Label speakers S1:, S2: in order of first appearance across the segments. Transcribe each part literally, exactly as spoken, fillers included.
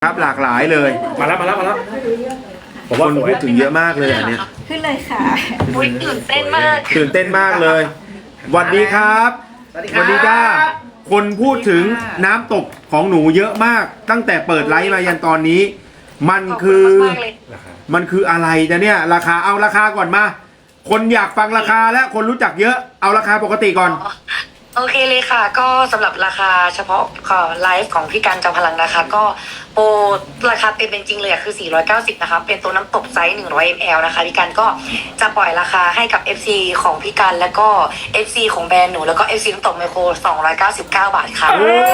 S1: ครับหลากหลายเลย
S2: มาแล้วมาแล้วมาแล้วผมว่า
S1: คนพูดถึงเยอะมากเลยอันเนี้ย
S3: ขึ้นเลยค่ะ
S4: อุ๊ยตื่นเต้นมาก
S1: ตื่นเต้นมากเลยสวัสดีครับสวัสดีจ้าคนพูดถึงน้ำตกของหนูเยอะมาก ตั้งแต่เปิดไลฟ์มายันตอนนี้ มันคือมันคืออะไรจ๊ะเนี่ยราคาเอาราคาก่อนมา คนอยากฟังราคาและคนรู้จักเยอะเอาราคาปกติก่อน
S4: โอเคเลยค่ะก็สำหรับราคาเฉพาะไลฟ์ของพี่การจอมพลังนะคะก็โปรราคาเต็มเป็นจริงเลยคือสี่ร้อยเก้าสิบนะคะเป็นตัวน้ำตกไซส์หนึ่งร้อยมิลลิลิตรนะคะพี่การก็จะปล่อยราคาให้กับ เอฟ ซี ของพี่การแล้วก็ เอฟ ซี ของแบรนด์หนูแล้วก็ เอฟ ซี น้ำตกไมโครสองร้อยเก้าสิบเก้าบาทค่ะ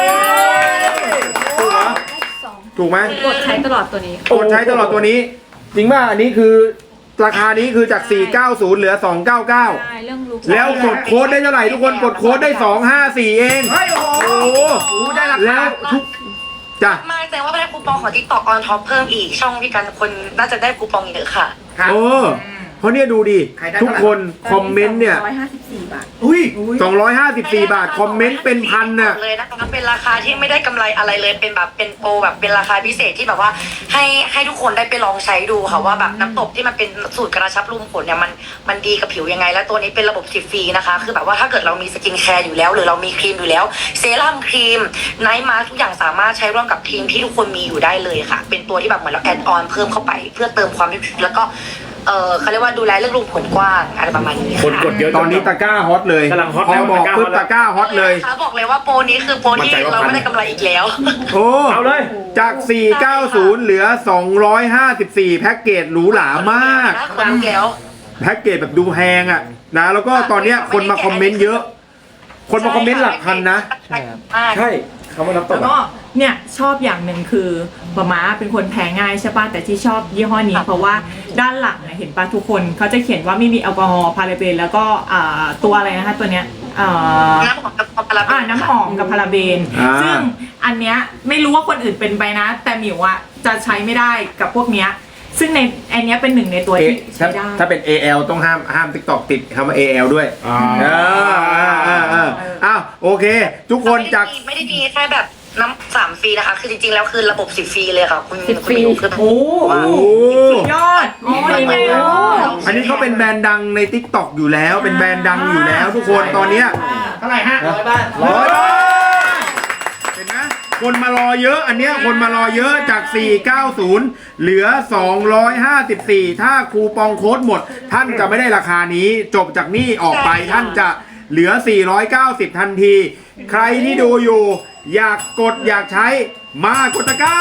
S1: ถูกไหมถูกไหม
S3: กดใช้ตลอดตัวนี้
S1: กดใช้ตลอดตัวนี้จริงป่ะอันนี้คือราคานี้คือจากสี่ร้อยเก้าสิบเหลือสองร้อยเก้าสิบเก้าแล้วกดโค้ดได้เท่าไหร่ทุกคนกดโค้ดได้สองร้อยห้าสิบสี่เอง
S5: เฮ้ยโอ้โหได้ราคา
S1: แล้วทุกจ้ะ
S4: มาแสดงว่าได้คูปองของ TikTok on top เพิ่มอีกช่องพี่การคนน่าจะได้คูปองเยอะค่ะ
S1: โอ้เพราะเนี่ยดูดิทุกคนคอมเมนต์เนี่ย
S3: สองร้อยห้าสิบสี่บาท
S5: อุ้ย
S1: สองร้อยห้าสิบสี่บาทคอมเมนต์เป็นพันน่ะ
S4: เลยนะคะเป็นราคาที่ไม่ได้กำไรอะไรเลยเป็นแบบเป็นโปรแบบเป็นราคาพิเศษที่แบบว่าให้ให้ทุกคนได้ไปลองใช้ดูค่ะว่าแบบน้ำตกที่มันเป็นสูตรกระชับรูขุมขนเนี่ยมันมันดีกับผิวยังไงและตัวนี้เป็นระบบสิบฟรีนะคะคือแบบว่าถ้าเกิดเรามีสกินแคร์อยู่แล้วหรือเรามีครีมอยู่แล้วเซรั่มครีมไนท์มาร์ทุกอย่างสามารถใช้ร่วมกับครีมที่ทุกคนมีอยู่ได้เลยค่ะเป็นตัวที่แบบเหมือนเราแอดออนเพิ่มเข้าไปเพื่อเติมความแล้วก็เออเขาเรียกว่าดูแลเรื่องรูขุมขนกว้างอะไรประมาณนี้
S2: คนกดเยอะ
S1: ตอนนี้ตะกร้าฮอตเลย
S2: กำลังฮอต
S1: พอบอกปุ๊บตะกร้าฮอตเลย
S4: เขาบอกเลยว่าโปรนี้คือโปรที่เราไม่ได้กำไรอีกแล้ว
S1: โอ้
S2: เอาเลย
S1: จากสี่ร้อยเก้าสิบเหลือสองร้อยห้าสิบสี่แพ็กเกจหรูหรามาก
S4: แล้ว
S1: แพ็กเกจแบบดูแพงอ่ะนะแล้วก็ตอนเนี้ยคนมาคอมเมนต์เยอะคนมาคอมเมนต์หลักพันนะ
S2: ใช่คำว่าน้ำตก
S6: แล้วก็เนี่ยชอบอย่างหนึ่งคือป๊าม้าเป็นคนแพ้ง่ายใช่ป่ะแต่ที่ชอบยี่ห้อนี้เพราะว่าด้านหลังเห็นป่ะทุกคนเขาจะเขียนว่าไม่มีแอลกอฮอล์พาราเบนแล้วก็ตัวอะไรนะคะตัวเนี้ย
S4: น้ำหอมกับพาราเบน
S6: น้ำหอมกับพาราเบนซึ่งอันเนี้ยไม่รู้ว่าคนอื่นเป็นไปนะแต่หมิวอะจะใช้ไม่ได้กับพวกเนี้ยซึ่งในอันนี้เป็นหนึ่งในตัวที่ใช้ได้
S1: ถ้าเป็น เอ แอล ต้องห้ามห้าม TikTok ติดคำว่า เอ แอล ด้วยอ่าอ่าอ่าอ่าอ้าวโอเคทุกคนจาก
S4: ไม่ได้ดีแค่แบบน้ำสามฟรีนะคะคือจริงๆแล้วคือระบบสิบฟรีเลยค่ะคุณ
S3: สิบฟรี
S6: โอ้สุดยอดอ๋อนี่ไง
S1: อันนี้เขาเป็นแบรนด์ดังใน TikTok อยู่แล้วเป็นแบรนด์ดังอยู่แล้วทุกคนตอนเนี้ย
S5: เท่าไหร่ฮะร้อยบาท
S1: ร้อยบาทเห็นไหมคนมารอเยอะอันเนี้ยคนมารอเยอะจากสี่ร้อยเก้าสิบเหลือสองร้อยห้าสิบสี่ถ้าคูปองโค้ดหมดท่านจะไม่ได้ราคานี้จบจากนี่ออกไปท่านจะเหลือสี่ร้อยเก้าสิบทันทีใครที่ดูอยู่อยากกดอยากใช้มากดตะกร้า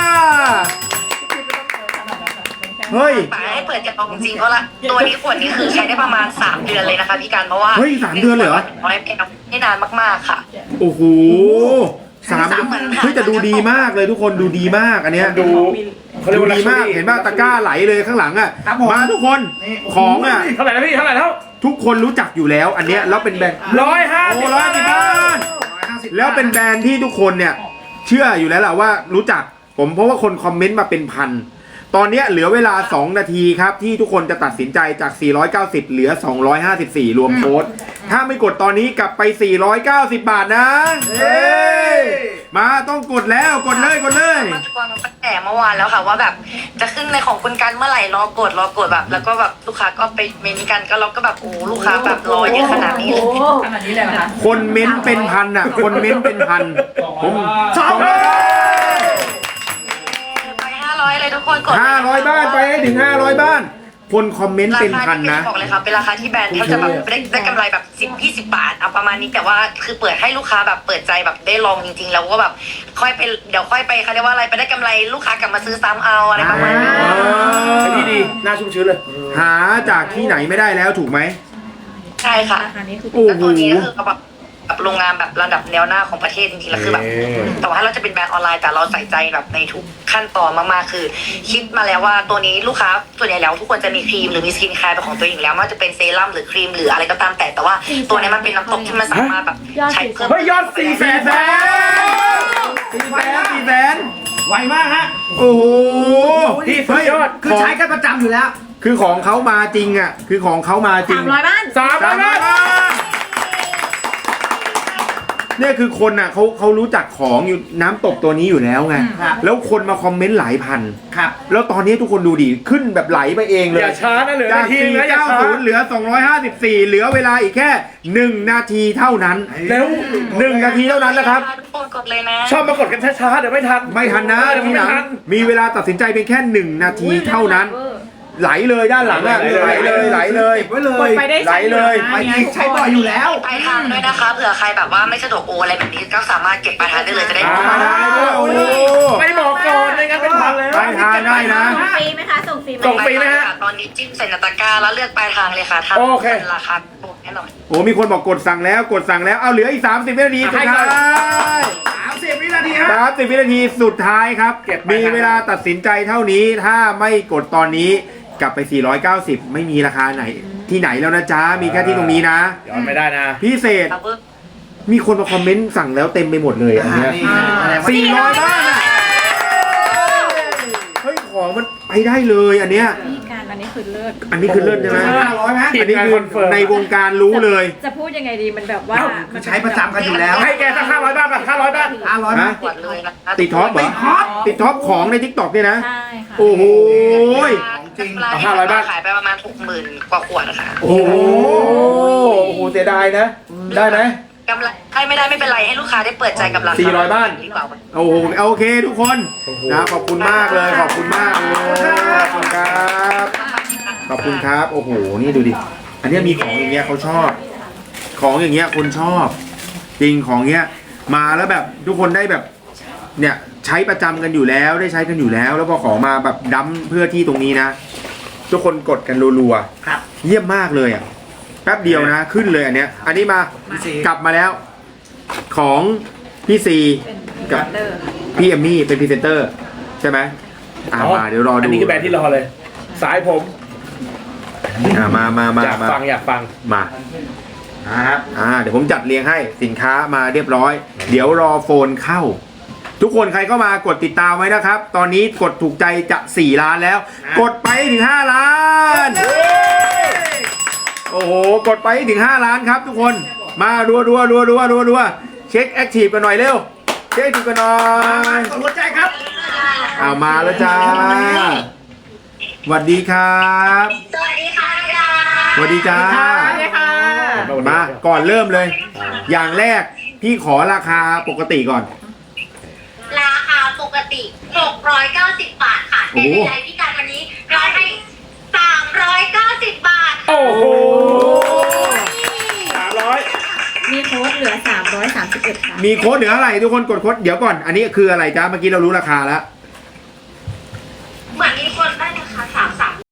S1: เฮ้ย
S4: ให้เปิดจะบอกจริงเพราะละตัวนี้ขวดนี้คือใช้ได้ประมาณสามเดือนเลยนะคะพี่การเพราะว่า
S1: เฮ้ยสามเดือนเลยเหรอ
S4: ร้อยแก้วไม่นานมากๆค่ะ
S1: โอ้โหสามเฮ้ยแต่ดูดีมากเลยทุกคนดูดีมากอันเนี้ย
S2: ดู
S1: ดูดีมากเห็นป่ะตะกร้าไหลเลยข้างหลังอ่ะมาทุกคนของอ่ะ
S2: เท่าไหร่แล้วพี่เท่าไหร่แล้ว
S1: ทุกคนรู้จักอยู่แล้วอันเนี้ยแล้วเป็นแบรนด์
S2: ร้อยห้าสิบ
S1: ร้อยสิบบาทแล้วเป็นแบรนด์ที่ทุกคนเนี่ยเชื่ออยู่แล้วแหละว่ารู้จักผมเพราะว่าคนคอมเมนต์มาเป็นพันตอนนี้เหลือเวลาสองนาทีครับที่ทุกคนจะตัดสินใจจากสี่ร้อยเก้าสิบเหลือสองร้อยห้าสิบสี่รวมโค้ดถ้าไม่กดตอนนี้กลับไปสี่ร้อยเก้าสิบบาทนะเฮ้ยมาต้องกดแล้วกดเลยกดเลย
S4: มาทวงตั้งแต่เมื่อวานแล้วค่ะว่าแบบจะขึ้นในของคุณกันเมื่อไหร่รอกดรอกดแบบแล้วก็แบบลูกค้าก็ไปเมนกันก็เราก็แบบโอ้ลูกค้าแบบรอเยอะขนาดนี้เลย
S6: ขนาดนี้เลยนะคะ
S1: คนเม้นเป็นพันอ่ะคนเม้นเป็นพันผมสองร้อย
S4: ห้าร้อยเลยทุกคนกด
S1: ห้าร้อยบ้านไปให้ถึงห้าร้อยบ้านคนคอมเมนต์เป็นพันนะ
S4: บอกเลยค่ะเป็นราคาที่แบรนด์เขาจะแบบได้ได้กำไรแบบสิบยี่สิบบาทเอาประมาณนี้แต่ว่าคือเปิดให้ลูกค้าแบบเปิดใจแบบได้ลองจริงๆแล้วก็แบบค่อยไปเดี๋ยวค่อยไปเขาเรียกว่าอะไรไปได้กำไรลูกค้ากลับมาซื้อซ้ำเอาอะไรประมาณนี้
S2: ดีดีน่าชุ่มชื้นเลย
S1: หาจากที่ไหนไม่ได้แล้วถูกไหม
S4: ใช่ค่ะ
S1: โอ้โห
S4: ตัวนี้ก็คือแบบแบบโรงงานแบบระดับแนวหน้าของประเทศจริงๆแล้วคือแบบแต่ว่าเราจะเป็นแบรนด์ออนไลน์แต่เราใส่ใจแบบในทุกขั้นตอนมากๆคือคิดมาแล้วว่าตัวนี้ลูกค้าส่วนใหญ่แล้วทุกคนจะมีครีมหรือมีสกินแคร์เป็นของตัวเองอยู่แล้วไม่ว่าจะเป็นเซรั่มหรือครีมหรืออะไรก็ตามแต่แต่ว่าตัวนี้มันเป็นน้ำตกที่มันสามารถแบบใช้เพิ่ม
S1: เฮ้ยยอดสี่แสนแสนสี่แสนสี่แสน
S5: ไวมากฮะ
S1: โอ้โห
S5: ที่สุดยอดคือใช้กันประจำอยู่แล้ว
S1: คือของเขามาจริงอ่ะคือของเขามาจริง
S6: สามร้อยบ้าน
S1: สามร้อยบ้านเนี่ยคือคนอ่ะเขาเขารู้จักของอยู่น้ำตกตัวนี้อยู่แล้วไง
S5: ครับ
S1: แล้วคนมาคอมเมนต์หลายพัน
S5: ครับ
S1: แล้วตอนนี้ทุกคนดูดิขึ้นแบบไหลไปเองเลย
S2: อย่าช้านะเหลือ
S1: จาก
S2: นาทีนะอย่าช้า
S1: สี่ร้อยเก้าสิบเหลือสองร้อยห้าสิบสี่เหลือเวลาอีกแค่หนึ่งนาทีเท่านั้น
S2: แล้ว
S1: หนึ่งนาทีเท่านั้นนะครับ
S4: ทุกคนกดเลยนะ
S2: ชอบมากดกันช้าๆเดี๋ยวไม่ทัน
S1: ไม่ทันนะ
S2: เดี๋ยว
S1: ที
S2: ไม่
S1: หลัง
S2: ทัน
S1: มีเวลาตัดสินใจเพียงแค่หนึ่งนาทีเท่านั้น ไหลเลยด้านหลังอะ
S2: ไหล
S1: ไหล
S2: เล
S1: เลย ยไหลเลย
S5: เก็บไว้เล
S6: กด
S5: ย
S6: ไปได้
S1: ไหลเลย
S5: ไปอีกใช้บ่อยอยู่แล้ว
S4: ปลายทางด้วยนะคะเผื่อใครแบบว่าไม่สะดวกโอนอะไรแบบนี้ก็สามารถเก็บปลายทางได้เลยจะได้
S2: อ่า
S1: มาได้ด้วยโอ้โห
S2: ไม่บอกก่อนไม่งั้นเป็นพันแล้ว
S1: ปลายทางได้นะ
S3: ส่งฟรีไหมคะ ส่งฟรีไหม
S2: ส่งฟรีไหมฮะ
S4: ตอนนี้จิ้มใส่นาตะกร้าแล้วเลือกปลายทางเลยค่ะทำ
S2: โอเค
S4: เป็นราคาโปรแน่นอน
S1: โอ้มีคนบอกกดสั่งแล้วกดสั่งแล้วเอาเหลืออีกสามสิบวินาทีสุดท้าย
S5: สามสิบวินาทีฮะ
S1: สามสิบวินาทีสุดท้ายครับ
S2: เก็บไป
S1: มีเวลาตัดสินใจเท่านี้ถ้าไม่กดตอนนี้กลับไปสี่ร้อยเก้าสิบไม่มีราคาไหนที่ไหนแล้วนะจ๊ะมีแค่ที่ตรงนี้นะ
S2: ย้อนไม่ได้นะ
S1: พิเศษ
S4: ครับเพิ่ม
S1: มีคนมาคอมเมนต์สั่งแล้วเต็มไปหมดเลยอันเนี้ย สี่ร้อยบ้านอ่ะเฮ้ยของมันไปได้เลยอันเนี้ย
S3: นี่การอันนี้คือเลิศ
S1: อันนี้คือเลิศใช่ไหม
S5: ห้าร้อยไหม
S1: อันนี้คือ
S2: คอนเฟิร์ม
S1: ในวงการรู้เลย
S3: จะพูดยังไงดีมันแบบว่า
S5: เอ้าคือใช้ประจำกันอยู่แล้ว
S2: ให้แกสักห้าร้อยบาทป่ะห้าร้อยบาท
S5: ห้าร้อยไหม
S1: ฮะ
S4: ขวดเลยนะคะ
S1: ติดท็อปเหรอ
S5: ติดท็อป
S1: ติดท็อปของในทิกตอกเนี่ยนะ
S3: ใช่ค่ะ
S1: โอ้โห
S5: จริง
S4: ปลาที่
S2: ห้าร้อยบาท
S4: ขายไปประมาณหกหมื่นกว่าขวดนะคะ
S1: โอ้โหโอ้โหเสียดายนะ ได้ไหม
S4: กำไรให้ไม่ได้ไม่เป็นไรให้ลูกค้าได้เปิดใจกับราคา
S1: สี่ร้อยบ้าน
S4: ดีกว่า
S1: โอ้โหโอเคทุกคนนะขอบคุณมากเลยขอบคุณมากเลยขอบคุณครับขอบคุณครับโอ้โหนี่ดูดิอันเนี้ยมีของอย่างเงี้ยเขาชอบ ของอย่างเงี้ยคนชอบ จริงของเงี้ยมาแล้วแบบทุกคนได้แบบเนี่ยใช้ประจำกันอยู่แล้วได้ใช้กันอยู่แล้ว แล้วพอของมาแบบดั้มเพื่อที่ตรงนี้นะ ทุกคนกดกันรัว
S5: ครับ
S1: ๆเยี่ยมมากเลยอ่ะแป๊บเดียวนะขึ้นเลยอันเนี้ย อันนี้มา
S5: พี่ซี
S1: กลับมาแล้ว ของพี่ซี
S3: เป็น
S1: กับ
S3: เดอร์ค่ะ
S1: พี่เอมมี่เป็นพรีเซนเตอร์ใช่ไหมอ่ามาเดี๋ยวรอดู
S2: อันนี้คือแบรนด์ที่รอเลย สายผม
S1: อ่ามามามา
S2: อยาก
S1: มา
S2: ฟังอยากฟัง
S1: มาครับอ่าเดี๋ยวผมจัดเรียงให้สินค้ามาเรียบร้อย เดี๋ยวรอโฟนเข้า ทุกคนใครเข้ามากดติดตามไว้นะครับ ตอนนี้กดถูกใจจะสี่ล้านแล้ว กดไปถึงห้าล้าน โอ้โหกดไปถึงห้าล้านครับทุกคนมารัวรัวรัวรัวรัวรัวเช็คแอคทีฟกันหน่อยเร็วเช็คแอคทีฟกันหน่อย
S5: กดหัวใจครับ
S1: เอามาแล้วจ้าสวัสดีครับ
S4: สวัสดีค่ะ
S1: สวัสดีจ้า
S6: สวัสดีค่ะ
S1: มาก่อนเริ่มเลย อย่างแรกพี่ขอราคาปกติก่อน
S7: ราคาปกติหกร้อยเก้าสิบบาทค่ะ
S1: โอ้
S7: แต่
S1: โห
S7: ในไลฟ์พิการวันนี้เราให้สามร้อยเก้าสิบบาท
S2: โอ้โหสามร้อย
S3: มีโค้ดเหลือสามร้อยสามสิบเอ็ดค่ะ
S1: มีโค้ดเหลืออะไรทุกคนกดโค้ดเดี๋ยวก่อน อันนี้คืออะไรจ้าเมื่อกี้เรารู้ราคาแล้ว